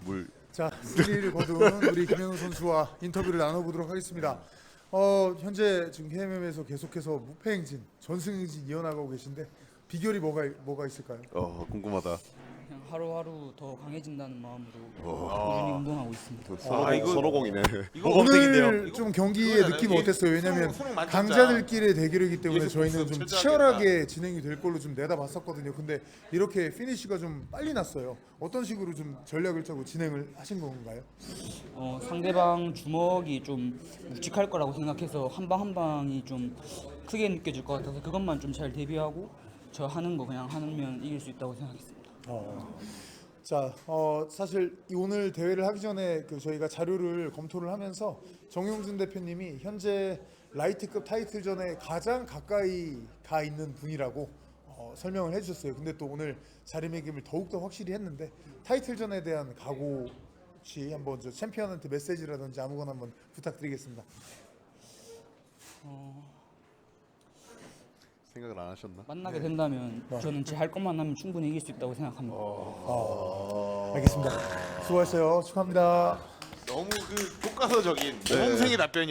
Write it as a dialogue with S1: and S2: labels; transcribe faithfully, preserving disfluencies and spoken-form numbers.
S1: 물.
S2: 자, 승리를 거둔 우리 김현우 선수와 인터뷰를 나눠보도록 하겠습니다. 어, 현재 지금 케이엠엠에서 계속해서 무패 행진, 전승 행진 이어나가고 계신데 비결이 뭐가 뭐가 있을까요?
S1: 어 궁금하다.
S3: 그냥 하루하루 더 강해진다는 마음으로 꾸준히 운동하고 있습니다.
S1: 서로,
S4: 아, 이거-
S1: 서로공이네.
S4: 이거
S2: 오늘 좀 경기의
S4: 그거잖아요.
S2: 느낌
S4: 이게
S2: 어땠어요? 왜냐면
S4: 수능- 수능 만점자.
S2: 강자들끼리의 대결이기 때문에
S4: 여기서
S2: 저희는
S4: 복수
S2: 좀
S4: 철저하게
S2: 치열하게 진행이 될 걸로 좀 내다봤었거든요. 근데 이렇게 피니쉬가 좀 빨리 났어요. 어떤 식으로 좀 전략을 짜고 진행을 하신 건가요?
S3: 어, 상대방 주먹이 좀 묵직할 거라고 생각해서 한 방 한 방이 좀 크게 느껴질 것 같아서 그것만 좀 잘 대비하고 저 하는 거 그냥 하면 이길 수 있다고 생각했습니다.
S2: 어. 자, 어, 사실 이 오늘 대회를 하기 전에 그 저희가 자료를 검토를 하면서 정용준 대표님이 현재 라이트급 타이틀전에 가장 가까이 가 있는 분이라고 어, 설명을 해주셨어요. 근데 또 오늘 자리매김을 더욱더 확실히 했는데 타이틀전에 대한 각오 혹시 한번 저 챔피언한테 메시지라든지 아무거나 한번 부탁드리겠습니다.
S1: 생각을 안 하셨나?
S3: 만나게 된다면 저는 제 할 것만 하면 충분히 이길 수 있다고 생각합니다.
S2: 알겠습니다. 수고하셨어요. 축하합니다.
S4: 너무 그 교과서적인 모범생의 답변이.